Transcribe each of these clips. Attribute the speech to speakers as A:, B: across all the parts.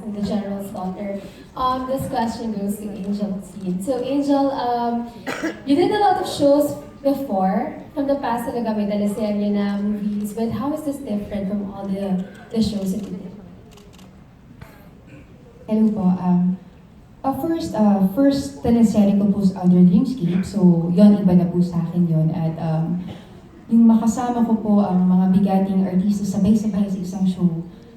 A: and the General's Daughter. This question goes to Angel Seed. So Angel, you did a lot of shows before. From the past talaga may teleserye na movies, but how is this different from all the shows that you did?
B: Hello po. First teleserye ko po sa Under Dreamscape. So, yon iba na po sa akin yon. At yung makasama ko po ang mga bigating artista sabay-sabay sa isang show.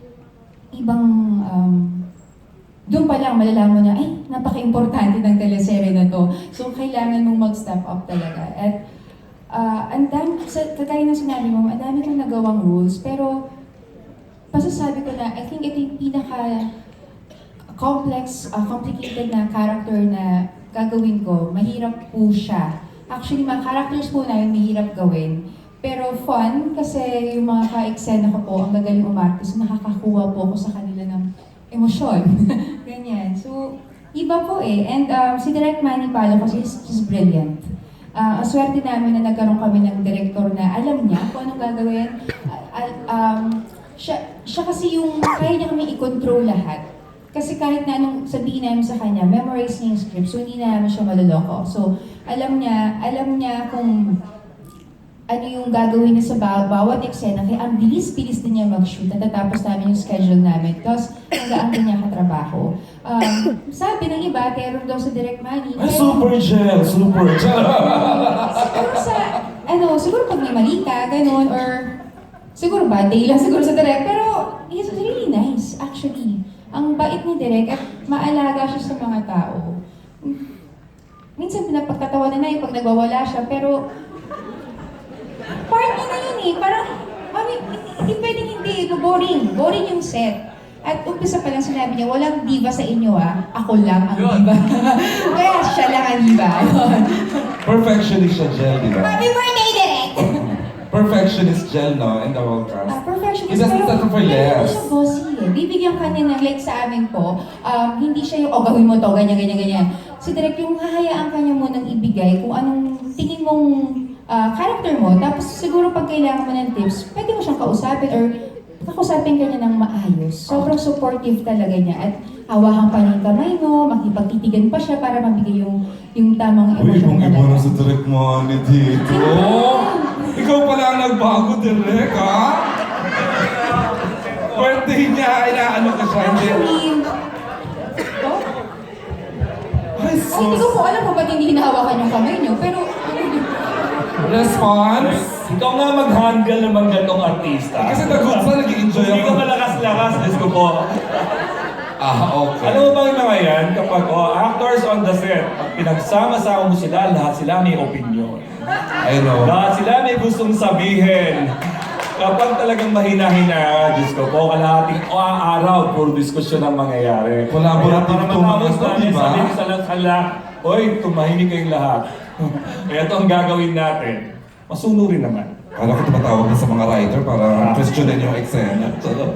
B: Doon pa lang malalaman mo na, ay, napaka-importante ng teleserye na to. So, kailangan mong mag-step up talaga. At ang dami, kagaya ng sinabi mo, ang dami kong nagawang rules. Pero, pasasabi ko na, I think ito yung complicated na character na gagawin ko. Mahirap po siya. Actually, mga characters po namin mahirap gawin. Pero fun, kasi yung mga ka-eksena ko po, ang gagaling umarte, so nakakakuha po ako sa kanila ng emosyon. Ganyan. So, iba po eh. And si Direk Manny Palo kasi he's brilliant. Ang swerte namin na nagkaroon kami ng director na alam niya kung anong gagawin. Siya kasi yung kaya niya kami i-control lahat. Kasi kahit na anong sabihin namin sa kanya, memorize niya yung script, so hindi na namin siya maloloko. So, alam niya kung ano yung gagawin niya sa bawat eksena. Kaya ang bilis-bilis din niya mag-shoot. Natatapos namin yung schedule namin. Tapos, hanggang din niya katrabaho. Sabi ng iba, terror daw sa Direk Manny.
C: Ay, super gel! Super gel!
B: Siguro pag may mali ka, ganun, or siguro bad day lang siguro sa Direk. Pero, he's really nice, actually. Ang bait ni Direk at maalaga siya sa mga tao. Minsan pinapagkatawanan na yung pag nagwawala siya, pero part niya na yun eh. Parang, hindi pwedeng hindi. Boring. Boring yung set. At umpisa pa lang sinabi niya, walang diva sa inyo ah. Ako lang ang diva. Kaya siya lang ang diva.
C: Perfectionist siya, Gel, di ba?
B: Happy birthday, Direk!
C: Perfectionist Gel, no? In the whole cast.
B: Perfectionist.
C: He doesn't settle for
B: Hindi
C: less.
B: siya bossy eh. Bibigyan ka niya ng, like sa amin po, hindi siya yung, gawin mo to, ganyan. Si Direk, yung hahayaan ka niya munang ibigay kung anong tingin mong character mo. Tapos siguro pag kailangan mo ng tips, pwede mo siyang kausapin or kakusapin ka niya ng maayos. Sobrang supportive talaga niya. At hawakan pa niya yung kamay mo, makipagtitigan pa siya para mabigay yung tamang
C: Uy,
B: emosyon
C: kung iba na sa Direk Manny dito. Ikaw pala ang nagbago, Direk, ha? Birthday niya, inaano ka siya, hindi. Ay,
B: Hindi ko po alam kung ba't hindi hinahawakan yung kamay niyo, pero
C: Response?
D: Ikaw nga mag-handle ng mga ganong artista.
C: Kasi nag-good nag-enjoy
D: Hindi
C: ako.
D: ka malakas-lakas, Diyos ko po.
C: Okay.
D: Alam mo ba yung mga yan? Kapag actors on the set, pag pinagsama-sama mo sila, lahat sila may opinion.
C: I know.
D: Lahat sila may gustong sabihin. Kapag talagang mahina-hina, Diyos ko po, kalahating araw, puro diskusyon ang mangyayari.
C: Collaborative
D: Kaya para
C: to
D: matapos
C: mga
D: namin,
C: diba?
D: sabihin sa lahat, hoy, tumahimik kayong lahat. Kaya ito ang gagawin natin. Masunurin naman.
C: Kala ko tumatawag na sa mga writer para questionin yung eksena.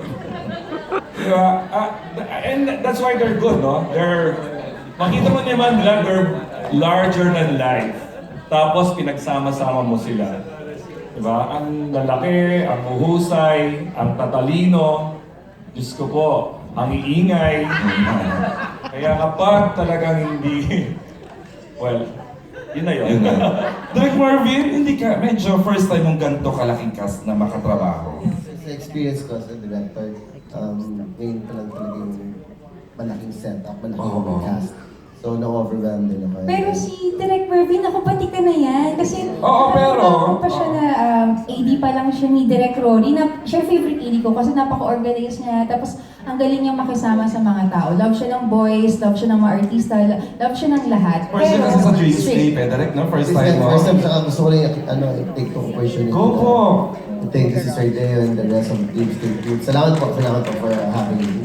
D: Diba? And that's why they're good, no? Makita mo naman nila, they're larger than life. Tapos pinagsama-sama mo sila. Diba? Ang lalaki, ang uhusay, ang tatalino, Diyos ko po, ang iingay. Kaya kapag talagang hindi, well, yun na yun.
C: Direk Marvin, hindi ka, medyo first time mong ganito kalaking cast na makatrabaho.
E: Sa experience ko as a director, ngayon pa lang talaga yung malaking setup, malaking cast. So, na-overwhelmed din ako.
B: Pero si Direk Mervin, ako pati ka na yan. Kasi
C: pero
B: pa siya na AD pa lang siya ni Direk Rory. Siya favorite AD ko kasi napaka-organized niya. Tapos ang galing niya makisama sa mga tao. Love siya ng boys, love siya ng mga artista, love siya ng lahat.
C: First time kasi sa Dreamscape eh, Direk, no? First time mo.
E: First time, saka gusto ko rin i-take to opportunity.
C: Go po!
E: Thank you si Sir Deo and the rest of the Dreamscape group. Salamat po for having me.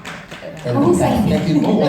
E: Thank you po.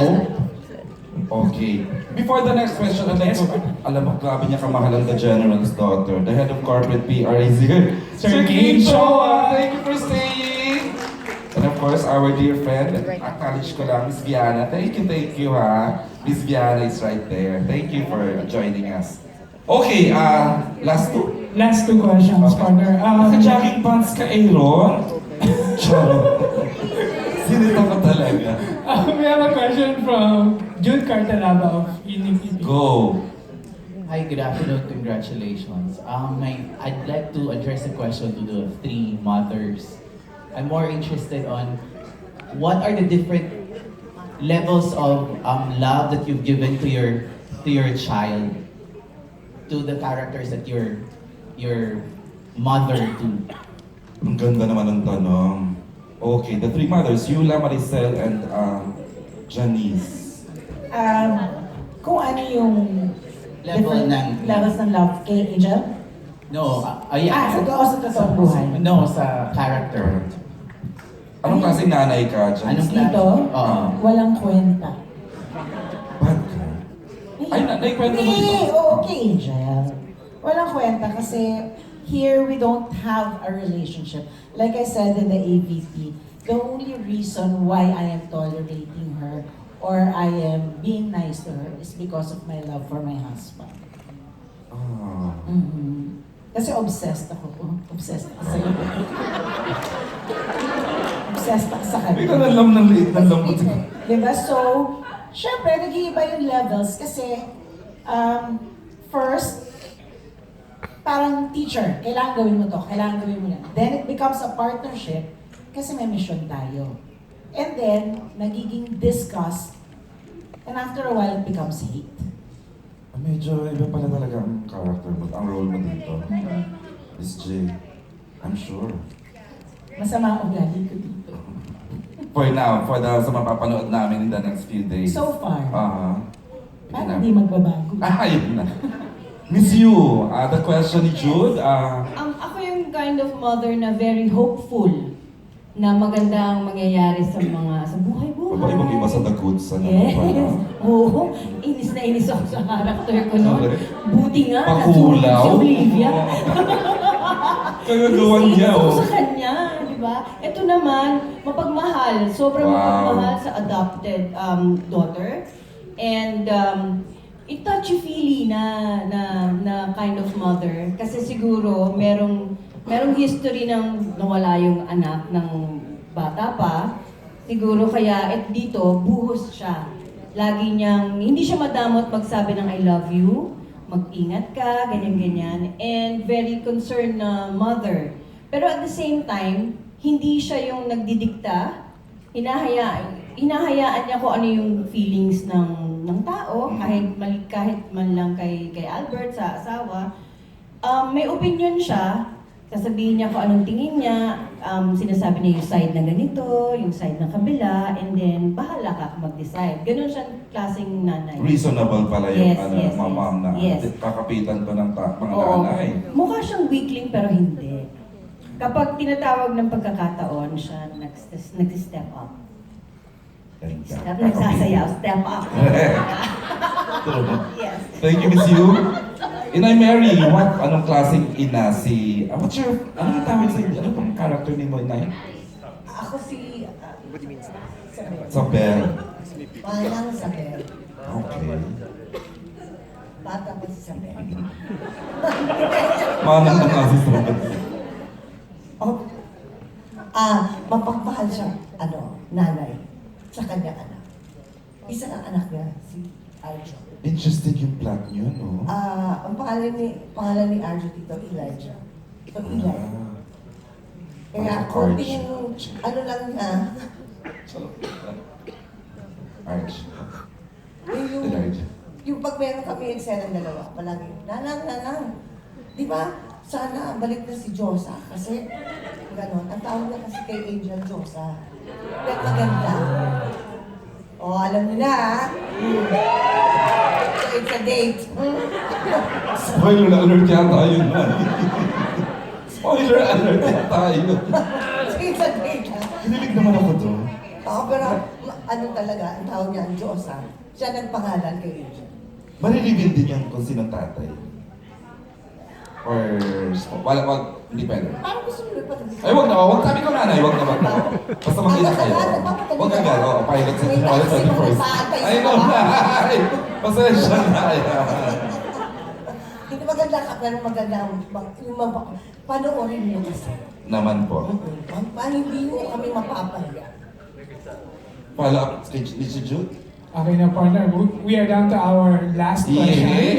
C: Okay. Before the next question, I'd like to, alam mo, grabe niya kamahalan the General's Daughter. The head of corporate PR is here. Sir Kim Choa! Thank you for staying! And of course, our dear friend, acknowledge ko lang, Miss Viana. Thank you ha. Miss Viana is right there. Thank you for joining us. Okay, last two.
F: Last two questions, partner.
C: Naka-jogging pants ka, Aaron? Sino ito talaga.
F: We have a question from Jude Cartanaba of Inip.
C: Go.
G: Hi, good afternoon. Congratulations. I'd like to address a question to the three mothers. I'm more interested on what are the different levels of love that you've given to your child, to the characters that your mother to.
C: Ang ganda naman ng tanong. Okay, the three mothers, Yula, Maricel, and Janice.
H: Kung ano yung
G: Level
H: different
G: ng-
H: levels ng love kay Angel?
G: No, yeah.
H: sa totoong buhay.
G: No, sa character.
C: Anong klaseng nanay ka, Janice?
G: Anong klase?
H: Dito,
G: Oo.
H: walang kwenta.
C: Bad ka? Ay, naikwento mo
H: Hindi,
C: dito.
H: okay, Angel. Walang kwenta kasi here we don't have a relationship. Like I said in the AVP, the only reason why I am tolerating her or I am being nice to her is because of my love for my husband.
C: Ah.
H: Mhm. Kasi obsessed ako. Obsessed ako sa'yo. Obsessed ako sa kanya.
C: Bigla ng ng liit ng lambot.
H: Diba? So, syempre, nag-iiba yung levels kasi, first, parang teacher, kailangan gawin mo to, kailangan gawin mo yan. Then it becomes a partnership kasi may mission tayo. And then, nagiging disgust, and after a while, it becomes hate.
C: Medyo iba pala talaga ang character mo, ang role mo dito. Miss J, I'm sure.
H: Masama ang ugali ko dito.
C: For now, sa mapapanood namin in the next few days.
H: So far.
C: Yun
H: Parang hindi magbabago.
C: yun na. Miss you, the question ni Jude,
I: Ako yung kind of mother na very hopeful na magandang mangyayari sa buhay-buhay.
C: babae mong iba sa the goods, ano
I: Yes.
C: pala.
I: Oo. Inis na inis ako sa character ko noon.
C: Okay.
I: Buti nga,
C: Pakulaw.
I: natulog si Olivia.
C: Kagagawan niya,
I: Inis ako
C: oh.
I: sa kanya, di ba? Ito naman, mapagmahal. Sobrang
C: Wow.
I: mapagmahal sa adopted daughter. And touchy-feely na kind of mother. Kasi siguro, merong history ng nawala yung anak ng bata pa. Siguro kaya dito, buhos siya. Lagi niyang, hindi siya madamot magsabi ng I love you, mag-ingat ka, ganyan-ganyan. And very concerned na mother. Pero at the same time, hindi siya yung nagdidikta. Hinahayaan niya kung ano yung feelings ng tao, kahit man lang kay Albert sa asawa. May opinion siya, sasabihin niya kung anong tingin niya, sinasabi niya yung side na ganito, yung side ng kabila, and then bahala ka mag-decide. Ganun siyang klaseng nanay.
C: Reasonable pala yung
I: Yes,
C: mamam na
I: yes.
C: kakapitan ko ng mga
I: Oo.
C: nanay.
I: Mukha siyang weakling pero hindi. Kapag tinatawag ng pagkakataon, siya nag-step up. Nagsasayaw, step up. Yes.
C: Thank you, Miss Yu. Inay Mary, anong klaseng ina si... ano yung tawag sa inyo? Ano pang character ni mo, Inay?
H: Ako si...
C: Isabel.
H: Manang Isabel.
C: Okay.
H: Bata ko si Isabel.
C: Manang ng asis mo.
H: Oh, mapagmahal siya, nanay, sa kanyang anak. Isa ng anak niya, si Arjo.
C: Interesting yung plot niyo, no?
H: Ang pangalan ni Arjo dito, Elijah. So, Eli. Kaya, konting, lang niya,
C: Arch.
H: yung,
C: Elijah.
H: yung pag meron kami eksena ng dalawa, palagi, nanang. Di ba? Sana balik na si Josa kasi gano'n. Ang tawag niya kasi kay Angel Josa. Kaya maganda. O, alam niyo na So, it's a date.
C: Spoiler alert yata yun, man. Spoiler alert yata yun.
H: So, it's a date.
C: Kinilig naman ako doon.
H: Pero talaga, ang tawag niya ang Josa. Siya nagpangalan kay Angel.
C: Marireveal din yan kung sinong tatay. Or, hindi pwede.
H: Parang gusto niyo pa
C: Ay, wag sabi ko nanay, wag na. Basta mag-ina kayo. Wag agad, pilot sa pilot sa first. Ay, no, ay! Pasensya na.
H: Hindi maganda ka, pero maganda yung panoorin niyo kasi.
C: Naman po.
H: Hindi niyo kami mapapahiya.
C: follow-up ni si Jude?
F: Okay na partner, we are down to our last question.
C: Yeah.